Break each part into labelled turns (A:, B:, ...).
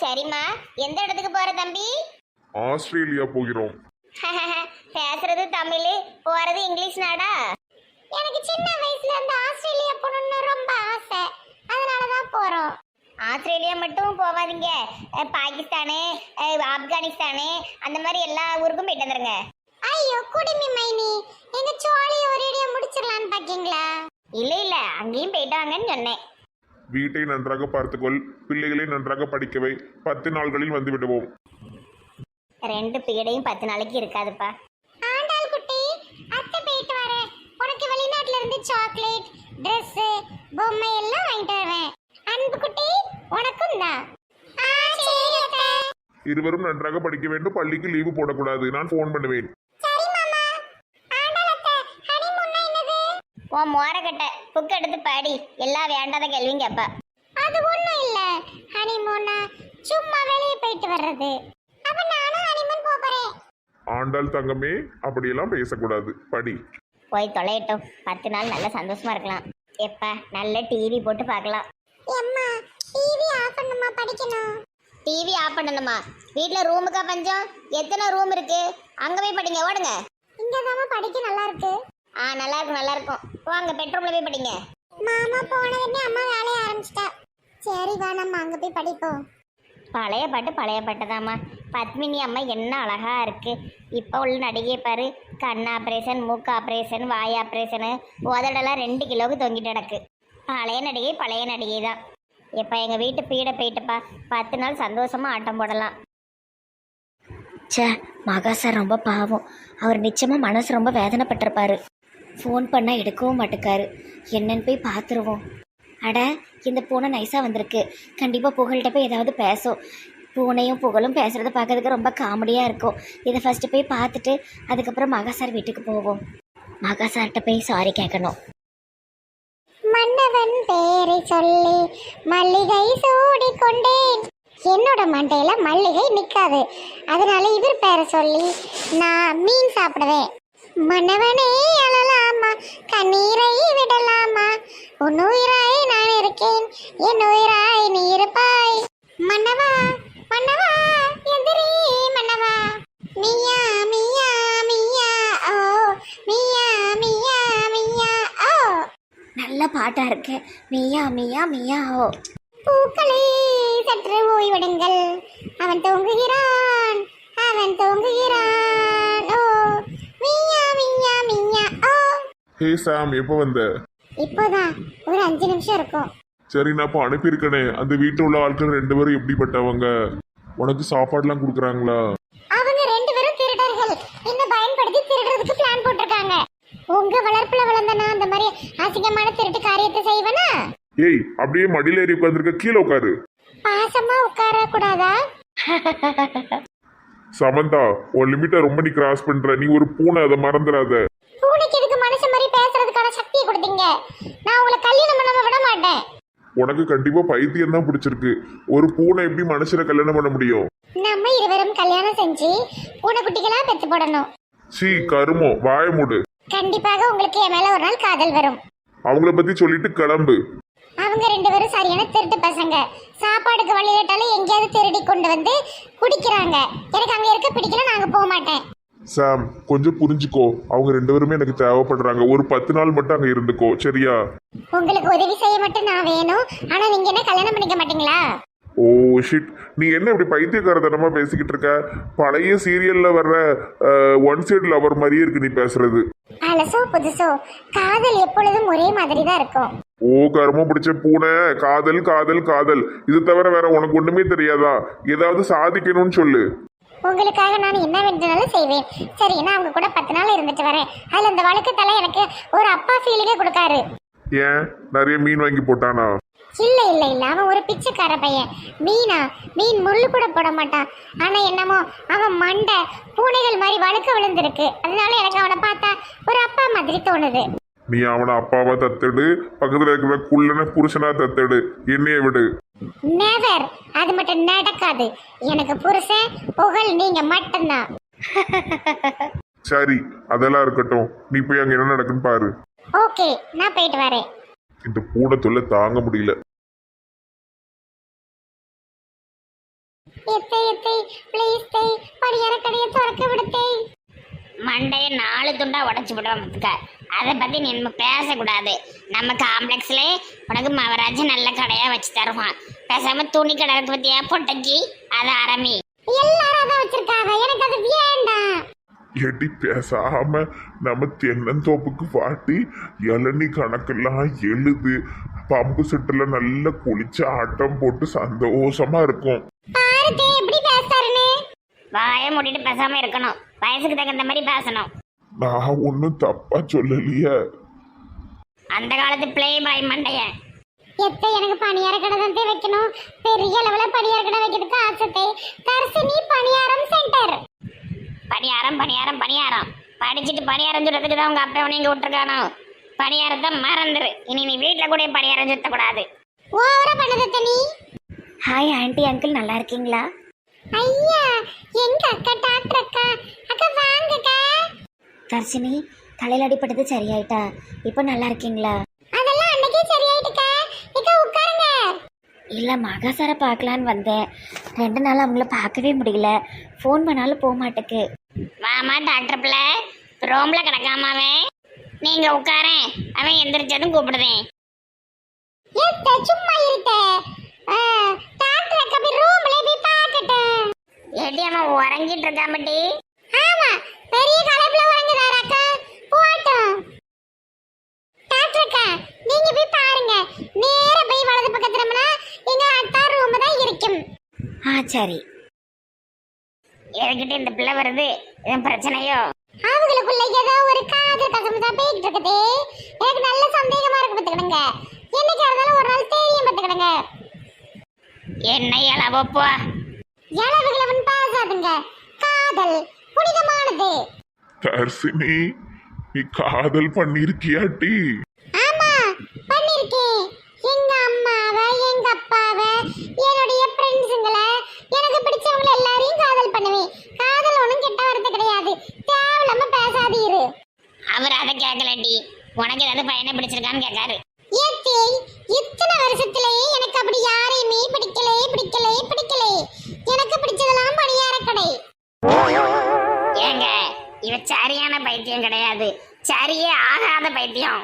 A: சரிம்மா. எந்த இடத்துக்கு போற தம்பி?
B: ஆஸ்திரேலியா போகிறோம்.
A: பேசுறது தமிழ், போறது இங்கிலீஷ் நாடா? எனக்கு சின்ன வயசுல இருந்து ஆஸ்திரேலியா போகணும்னு ரொம்ப ஆசை, அதனாலதான் போறோம். ஆஸ்திரேலியா மட்டும் போவாதீங்க, பாகிஸ்தானு, ஆப்கானிஸ்தானு அந்த மாதிரி எல்லா ஊருக்கும் போயிட்டு வந்துருங்க. ஐயோ குடிமி மைனி, எங்க சோழிய ஒரேடியா முடிச்சிடலான்னு பாக்கீங்களா? இல்ல இல்ல, அங்கேயும் போயிட்டு வாங்கன்னு சொன்னேன்.
B: வீட்டை நன்றாக பார்த்துக்கொள், பிள்ளைகளை நன்றாக படிக்கவை. 10 நாள்களில் வந்து விடுவோம்.
A: 2 பீடையும் 10 நாளைக்கு இருக்காதுப்பா. ஆண்டாள் குட்டி, அத்தை போயிட்டு வரேன். உனக்கு வெளிநாட்டுல இருந்து சாக்லேட், Dress, பொம்மை எல்லாம் வாங்கிட்டு வருவேன். அன்பு குட்டி, உனக்கும் தான்.
B: இருவரும் நன்றாக படிக்க வேண்டும். பள்ளிக்கு லீவு போடக்கூடாது. நான் போன் பண்ணுவேன்.
A: உன் மோரக்கட்டை புக் எடுத்து பாடி, எல்லாம் வேண்டாத கேள்வியும் கேப்பா. அது ஒண்ணும் இல்ல, ஹனிமூனா சும்மா வெளியே போயிட்டு வர்றது. அப்ப நானும் ஹனிமூன் போறேன்.
B: ஆண்டாள் தங்கமே, அப்படியெல்லாம் பேசக்கூடாது. படி.
A: போய் தொலையட்டும். 10 நாள் நல்ல சந்தோஷமா இருக்கலாம். எப்ப நல்ல டிவி போட்டு பார்க்கலாம். அம்மா டிவி ஆஃப் பண்ணுமா, படிக்கணும். டிவி ஆஃப் பண்ணணுமா? வீட்ல ரூமுக்கா பஞ்சம்? எத்தனை ரூம் இருக்கு? அங்க போய் படிங்க, ஓடுங்க. இங்கதாம்மா படிக்க நல்லா இருக்கு. நல்லா இருக்கும் நல்லா இருக்கும். வாங்க பெட்ரூம்ல போய் படிங்க. மாமா போனதுமே அம்மா வேலைய ஆரம்பிச்சிட்டா. சரி வா, நம்ம அங்க போய் படிப்போம். பழைய பாட்டுதாம்மா. பத்மினி அம்மா என்ன அழகா இருக்கு. இப்போ உள்ள நடிகை பாரு, கண் ஆப்ரேஷன், மூக்கு ஆப்ரேஷன், வாய் ஆப்ரேஷனு, உதடெல்லாம் 2 கிலோவுக்கு தொங்கிட்டு கிடக்கு. பழைய நடிகை தான். இப்போ எங்கள் வீட்டு பீடை போயிட்டுப்பா. 10 நாள் சந்தோஷமா ஆட்டம் போடலாம்.
C: சே, மகா சார் ரொம்ப பாவம். அவர் நிச்சயமாக மனசு ரொம்ப வேதனைப்பட்டிருப்பாரு. ஃபோன் பண்ணால் எடுக்கவும் மாட்டுக்காரு. என்னன்னு போய் பார்த்துருவோம். அட, இந்த பூனை நைஸாக வந்திருக்கு. கண்டிப்பாக புகழ்கிட்ட போய் ஏதாவது பேசும். பூனையும் புகழும் பேசுகிறத பார்க்கறதுக்கு ரொம்ப காமெடியாக இருக்கும். இதை ஃபஸ்ட்டு போய் பார்த்துட்டு அதுக்கப்புறம் மகா சார் வீட்டுக்கு போவோம். மகா சார்கிட்ட போய் சாரி கேட்கணும்.
A: மன்னவன் பேரை சொல்லி மல்லிகை சூடி கொண்டேன். என்னோட மண்டையில மல்லிகை நிக்காது, அதனால இவர் பேரை சொல்லி நான் மீன் சாப்பிடுவேன். மன்னவனே அழலாமா, கண்ணீரை விடலாமா, உன் உயிராய் நான் இருக்கேன், என் உயிராய் நீ இருப்பாய். மன்னவா மன்னவா எதிரி மன்னவா, மியா மியா மியா ஓ, மியா மியா மியா ஓ.
C: நல்ல பாட்டாக இருக்கு. மியா மியா மியா ஓ.
A: பூக்களே சற்று ஓய்வெடுங்கள், அவன் தூங்குகிறான், ஓ, மியா மியா மியா ஓ.
B: ஹே சாம், எப்போ வந்த?
A: இப்போதான் ஒரு 5 நிமிஷம் இருக்கும்.
B: சரி, நான் இப்போ அனுப்பியிருக்கனே. அந்த வீட்டில் உள்ள ஆட்கள் 2 பேரும் எப்படிப்பட்டவங்க? உனக்கு சாப்பாடுலாம் கொடுக்குறாங்களா?
A: அவங்க 2 பேரும் திருடர்கள். என்ன பயன்படுத்தி திருடுறதுக்கு பிளான் போட்டிருக்காங்க. உங்க வளர்ப்புல வளர்ந்தனா அந்த மாதிரி அசிங்கமான திருட்டு காரியத்தை செய்வனா?
B: ஏய், அப்படியே மடியில ஏறி உட்காந்துருக்க, கீழே உட்காரு.
A: பாசமா உட்கார கூடாதா?
B: சமந்தா, உன் லிமிட்டை ரொம்ப நீ கிராஸ் பண்ற. நீ ஒரு பூனை, அதை மறந்துடாத.
A: பூனைக்கு இதுக்கு மனுஷன் மாதிரி பேசுறதுக்கான சக்தியை கொடுத்தீங்க. நான் உங்களை கல்யாணம் பண்ணாம விட மாட்டேன்.
B: உனக்கு கண்டிப்பா பைத்தியம் தான் பிடிச்சிருக்கு. ஒரு பூனை எப்படி மனுஷனை கல்யாணம் பண்ண முடியும்?
A: நம்ம இருவரும் கல்யாணம் செஞ்சு பூனைக்குட்டிகளா பெத்து போடணும்.
B: சீ கருமோ, வாய மூடு.
A: கண்டிப்பாக உங்களுக்கு என் மேல ஒரு நாள் காதல் வரும்.
B: அவங்கள பத்தி சொல்லிட்டு கிளம்பு.
A: அவங்க 2 பேரும் சரியான திருட்டு பசங்க. சாப்பாடுக்கு வழி கேட்டாலும் எங்கேயாவது திருடி கொண்டு வந்து குடிக்கிறாங்க. எனக்கு அங்க இருக்க பிடிக்கல, நாங்க போக மாட்டேன்.
B: சாம், கொஞ்சம் புரிஞ்சுக்கோ. அவங்க 2 பேருமே எனக்கு தேவைப்படுறாங்க. ஒரு 10 நாள் மட்டும் அங்க இருந்துக்கோ, சரியா?
A: உங்களுக்கு உதவி செய்ய மட்டும் நான் வேணும். ஆனா நீங்க என்ன கல்யாணம் பண்ணிக்க மாட்டீங்களா?
B: ஓ ஷிட், நீ என்ன இப்படி பைத்தியக்காரத்தனமா பேசிக்கிட்டு இருக்க? பழைய சீரியல்ல வர்ற ஒன் சைடு லவர் மாதிரியே இருக்கு நீ பேசுறது.
A: பழசோ புதுசோ, காதல் எப்பொழுதும் ஒரே மாதிரி தான் இருக்கும்.
B: ஓ கருமம் பிடிச்ச பூனை, காதல் காதல் காதல், இது தவிர வேற உனக்கு ஒண்ணுமே தெரியாதா? ஏதாவது சாதிக்கணும்னு சொல்லு.
A: உங்களுக்காக நான் என்ன வேண்டுனாலும் செய்வேன். சரி, நான் அவங்க கூட 10 நாள் இருந்துட்டு வரேன். அதுல இந்த வழக்கத்தால எனக்கு ஒரு அப்பா ஃபீலிங்கே கொடுக்காரு.
B: ஏன், நிறைய மீன் வாங்கி போட்டானா?
A: இல்ல இல்ல இல்ல, அவன் ஒரு பிச்சைக்கார பையன். மீன் முள்ளு கூட போட மாட்டான். ஆனா என்னமோ அவன் மண்டை பூனைகள் மாதிரி வழுக்க விழுந்திருக்கு. அதனால எனக்கு அவனை பார்த்தா ஒரு அப்பா மாதிரி தோணுது.
B: நீ அவனை அப்பாவா தத்தெடு, பக்கத்துல இருக்கிற குள்ளன புருஷனா தத்தெடு, என்னைய விடு.
A: நெவர், அது மட்டும் நடக்காது. எனக்கு புருஷன் புகழ் நீங்க மட்டும்தான்.
B: சரி, அதெல்லாம் இருக்கட்டும். நீ போய் அங்க என்ன நடக்குன்னு பாரு.
A: ஓகே, நான் போயிட்டு வரேன்.
B: இந்த பூனை தொல்லை தாங்க முடியல.
A: எத்தை எத்தை ப்ளீஸ் தை படியார கடையை திறக்க விடுத்தை. மண்டையை 4 துண்டா உடச்சு விடுவோம். அதை பத்தி நீ நம்ம பேசக்கூடாது. நம்ம காம்ப்ளெக்ஸ்ல உனக்கு மவராஜ் நல்ல கடையா வச்சு தருவான். பேசாம துணி கடை இருக்கு பத்தியா பொட்டைக்கு, அதை ஆரம்பி. எல்லாரும் அதான் வச்சிருக்காங்க, எனக்கு அது வேண்டாம்.
B: எடி பேசாம நம்ம தென்னந்தோப்புக்கு பாட்டி இளநீ கணக்கெல்லாம் எழுது, பம்பு செட்டுல நல்லா குளிச்சு ஆட்டம் போட்டு சந்தோஷமா இருக்கும்.
A: பாருதே எப்படி பேசுறாருன்னு. வாயை மூடிட்டு பேசாம இருக்கணும், வயசுக்கு தகுந்த மாதிரி பேசணும்.
B: நான் ஒன்னும் தப்பா சொல்லலையே.
A: அந்த காலத்து பிளே பாய் மண்டைய. எத்தை எனக்கு பணியார கடை தான் வைக்கணும். பெரிய அளவுல பணியார கடை வைக்கிறதுக்கு ஆசை. தர்சினி பணியாரம் சென்டர். பணியாரம் பணியாரம் பணியாரம் படிச்சுட்டு பணியாரம் சுடுறதுக்கு தான் உங்க அப்பா நீங்க விட்டுருக்கானோ. பணியாரத்தை மறந்துரு. இனி நீ வீட்டுல கூட பணியாரம் சுத்தக்கூடாது. ஓவரா பண்ணத நீ.
C: ஹாய் ஆண்டி அங்கிள், நல்லா இருக்கீங்களா?
A: ஐயா எங்க அக்கா டாக்டர் அக்கா. அக்கா வாங்கக்கா.
C: தர்ஷினி, தலையில் அடிப்பட்டது சரியாயிட்டா? இப்போ நல்லா இருக்கீங்களா?
A: அதெல்லாம் அன்னைக்கே சரியாயிட்டுக்கா. இக்கா உட்காருங்க.
C: இல்லை, மகாசாரை பார்க்கலான்னு வந்தேன். 2 நாள் அவங்கள பார்க்கவே முடியல. ஃபோன் பண்ணாலும் போக மாட்டேக்கு.
A: வாமா டாக்டர் பிள்ளை, ரோம்ல கிடக்காமாவே. நீங்க உட்காரேன், அவன் எந்திரிச்சதும் கூப்பிடுதேன். சும்மா இருக்க டாக்டர் அக்கா போய் ரூம்ல போய் பார்க்கட்டும். ஏடி அவன் உறங்கிட்டு இருக்காமட்டி. ஆமா, பெரிய கலப்புல உறங்குறாரு அக்கா. போட்டும் டாக்டர் அக்கா, நீங்க போய் பாருங்க. நேரா போய் வலது பக்கத்துல எங்க அத்தா ரூம் தான் இருக்கும்.
C: சரி.
A: என்கிட்ட இந்த பிள்ளை வருது, என் பிரச்சனையோ? அவங்களுக்குள்ள ஏதோ ஒரு காதல் கசப்பு தான் போயிட்டு இருக்குது. எனக்கு நல்ல சந்தேகமா இருக்கு, பத்துக்கிடுங்க. என்னைக்கு இருந்தாலும் ஒரு நாள் தெரியும், பத்துக்கிடுங்க. என்ன இளவப்போ இளவுகளவன் பேசாதுங்க. காதல் புனிதமானது.
B: தர்சினி, நீ காதல் பண்ணிருக்கியாட்டி?
A: ஆமா, பண்ணிருக்கேன். எங்க அம்மாவை, எங்க அப்பாவை, என்னுடைய ஃப்ரெண்ட்ஸுங்களை, எனக்கு பிடிச்சவங்களை எல்லாரையும் காதல் பண்ணுவேன். காதல் ஒன்றும் கெட்ட வார்த்தை கிடையாது. தேவையில்லாம பேசாதீரு. அவர் அதை கேட்கலடி, உனக்கு ஏதாவது பையனை பிடிச்சிருக்கான்னு கேட்காரு. இத்தனை வருஷத்திலேயே எனக்கு அப்படி யாரையுமே பிடிக்கலே பிடிக்கலே பிடிக்கலே. எனக்கு பிடிச்சதெல்லாம் பணியார கடை. ஏங்க, இவ சரியான பைத்தியம் கிடையாது, சரியே ஆகாத பைத்தியம்.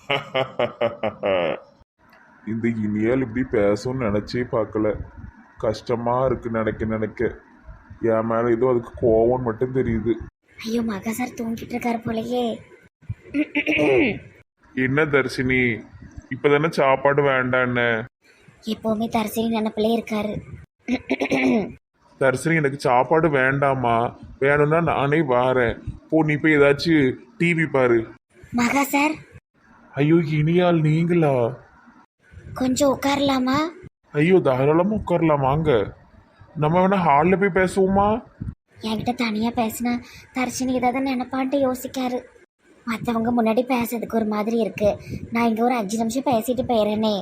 B: இந்த இனியால் இப்படி பேசும்னு நினைச்சே பார்க்கல. கஷ்டமா இருக்கு நினைக்க. என் மேல ஏதோ அதுக்கு கோவம் மட்டும் தெரியுது.
C: ஐயோ, மகாசார் தூங்கிட்டு இருக்காரு போலயே.
B: என்ன தர்ஷினி, இப்பதானே சாப்பாடு வேண்டான்னு?
C: எப்பவுமே தர்ஷினி நினைப்பிலே இருக்காரு.
B: தர்ஷினி, எனக்கு சாப்பாடு வேண்டாமா? வேணும்னா நானே வாரேன். போ, நீ போய் ஏதாச்சும் டிவி பாரு.
C: மகாசார்,
B: ஐயோ இனியால் நீங்களா?
C: கொஞ்சம் உட்காரலாமா?
B: ஐயோ தாராளமா உட்காரலாம், வாங்க. நம்ம வேணா ஹாலில் போய் பேசுவோமா?
C: என்கிட்ட தனியா பேசினா தர்ஷினி ஏதாவது நினைப்பான்ட்டு யோசிக்காரு. மற்றவங்க முன்னாடி பேசுறதுக்கு ஒரு மாதிரி இருக்கு. நான் இங்க ஒரு 5 நிமிஷம் பேசிட்டு போயிடுறேனே.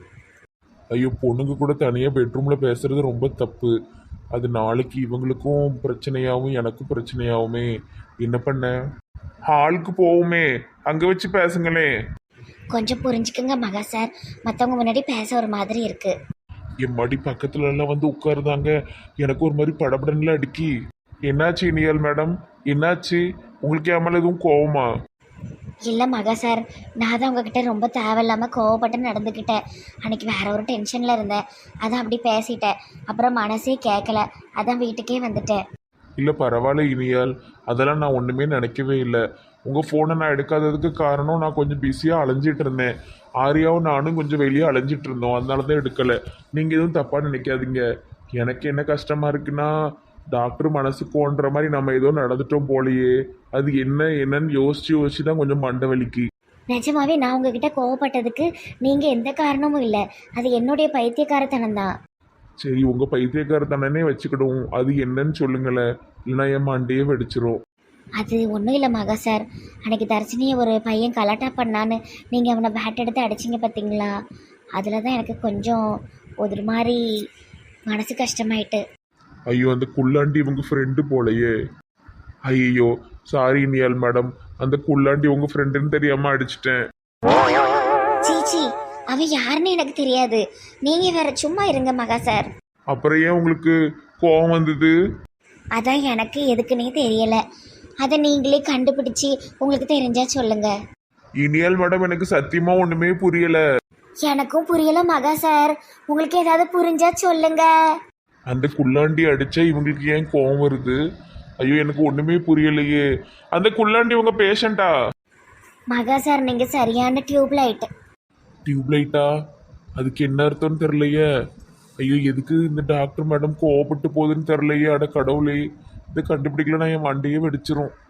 B: ஐயோ, பொண்ணுங்க கூட தனியாக பெட்ரூமில் பேசுறது ரொம்ப தப்பு. அது நாளைக்கு இவங்களுக்கும் பிரச்சனையாகவும் எனக்கும் பிரச்சனையாகுமே. என்ன பண்ண? ஹாலுக்கு போவோமே, அங்கே வச்சு பேசுங்களே.
C: கொஞ்சம் புரிஞ்சுக்குங்க மகாசார், மற்றவங்க முன்னாடி பேச ஒரு மாதிரி இருக்கு.
B: என் மடி பக்கத்துல எல்லாம் வந்து உட்காருதாங்க. எனக்கு ஒரு மாதிரி படபடன்ல அடிக்கி. என்னாச்சு இனியால் மேடம், என்னாச்சு? உங்களுக்கு என் மேல எதுவும் கோவமா?
C: இல்லை மகாசார், நான் தான் உங்ககிட்ட ரொம்ப தேவையில்லாமல் கோவப்பட்டு நடந்துக்கிட்டேன். அன்னைக்கு வேற ஒரு டென்ஷனில் இருந்தேன், அதான் அப்படி பேசிட்டேன். அப்புறம் மனசே கேட்கல, அதான் வீட்டுக்கே வந்துட்டேன்.
B: இல்லை பரவாயில்ல இனியால், அதெல்லாம் நான் ஒன்றுமே நினைக்கவே இல்லை. உங்கள் ஃபோனை நான் எடுக்காததுக்கு காரணம் நான் கொஞ்சம் பிஸியாக அலைஞ்சிட்டு இருந்தேன். ஆரியாவும் நானும் கொஞ்சம் வெளியே அலைஞ்சிட்டு இருந்தோம், அதனால தான் எடுக்கலை. நீங்கள் எதுவும் தப்பாக நினைக்காதீங்க. எனக்கு என்ன கஷ்டமாக இருக்குன்னா, டாக்டர் மனசு கோன்ற மாதிரி நம்ம ஏதோ நடந்துட்டோம் போலையே. அது என்னன்னு யோசிச்சு தான் கொஞ்சம் மண்டை வலிக்கு.
C: நிஜமாவே நான் உங்ககிட்ட கோவப்பட்டதுக்கு நீங்கள் எந்த காரணமும் இல்லை. அது என்னுடைய பைத்தியக்காரத்தனம் தான்.
B: சரி, உங்கள் பைத்தியக்காரத்தனே வச்சுக்கிடுவோம். அது என்னன்னு சொல்லுங்களேன், இல்லைன்னா என் மண்டையே வெடிச்சிரும்.
C: அது ஒன்றும் இல்லை மகாசார், அன்னைக்கு தர்ஷினியை ஒரு பையன் கலாட்டா பண்ணான்னு நீங்கள் அவனை பேட் எடுத்து அடிச்சிங்க பார்த்தீங்களா? அதில் தான் எனக்கு கொஞ்சம் ஒரு மாதிரி மனசு கஷ்டமாயிட்டு.
B: ஐயோ, அந்த குள்ளாண்டி உங்கள் ஃப்ரெண்டு போலையே. ஐயோ சாரி இனியால் மேடம், அந்த குள்ளாண்டி உங்கள் ஃப்ரெண்டுன்னு தெரியாமல் அடிச்சிட்டேன்.
C: சீச்சி, அவன் யாருன்னு எனக்கு தெரியாது. நீங்கள் வேற சும்மா இருங்க மகாசார்.
B: அப்புறம் ஏன் உங்களுக்கு கோவம் வந்தது?
C: அதான் எனக்கு எதுக்குன்னே தெரியல. அதை நீங்களே கண்டுபிடிச்சி உங்களுக்கு தெரிஞ்சா சொல்லுங்க.
B: இனியால் மேடம் எனக்கு சத்தியமா ஒண்ணுமே புரியல.
C: எனக்கும் புரியல மகா சார். உங்களுக்கு ஏதாவது புரிஞ்சா சொல்லுங்க.
B: அந்த குள்ளாண்டி அடிச்சா இவங்களுக்கு ஏன் கோவம் வருது? ஐயோ எனக்கு ஒண்ணுமே புரியலையே. அந்த குள்ளாண்டி உங்க பேஷண்டா?
C: மகா சார் நீங்க சரியான டியூப் லைட்.
B: டியூப்லைட்டா? அதுக்கு என்ன அர்த்தம்னு தெரியலையே. ஐயோ எதுக்கு இந்த டாக்டர் மேடம் கோவப்பட்டு போகுதுன்னு தெரியலையே. அட கடவுளே, இதை கண்டுபிடிக்கலன்னா என் வண்டியே வெடிச்சிரும்.